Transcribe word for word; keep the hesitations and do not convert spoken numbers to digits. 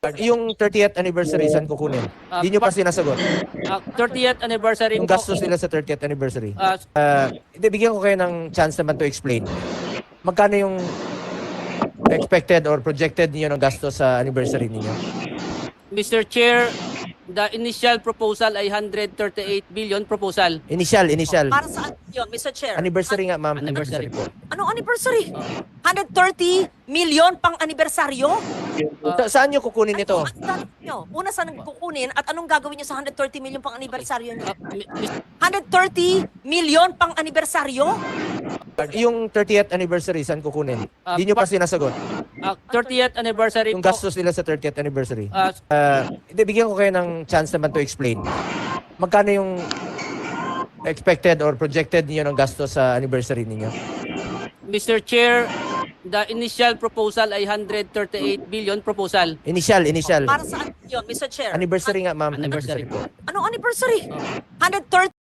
Yung thirtieth anniversary, saan kukunin? Ah, Hindi nyo pa pa- sinasagot. Ah, thirtieth anniversary Yung po. gastos nila sa thirtieth anniversary. Ah, Ah, Hindi, bigyan ko kayo ng chance naman to explain. Magkano yung expected or projected niyo ng gastos sa anniversary niyo? Mister Chair, the initial proposal ay one hundred thirty-eight billion proposal. Initial, initial. Para saan yun, Mister Chair? Anniversary nga, ma'am. Anniversary po. Anong anniversary? one hundred thirty million pang anibersaryo? Sa- saan nyo kukunin ito? Ano ang gagawin nyo? Una, saan kukunin at anong gagawin nyo sa one hundred thirty million pang anibersaryo nyo? Ah, mi- mis- one hundred thirty million pang anibersaryo? Yung thirtieth anniversary, saan kukunin? Ah, Hindi nyo pa pa- sinasagot. ah, thirtieth anniversary Yung po. gastos nila sa thirtieth anniversary. Ah, Ah, Hindi, bigyan ko kayo ng chance naman to explain. Magkano yung expected or projected niyo ng gastos sa anniversary niyo? Mister Chair, the initial proposal ay one hundred thirty-eight billion proposal. Initial, initial. Para saan yun, Mister Chair? Anniversary nga, ma'am. Anniversary po. Anong anniversary? one hundred thirty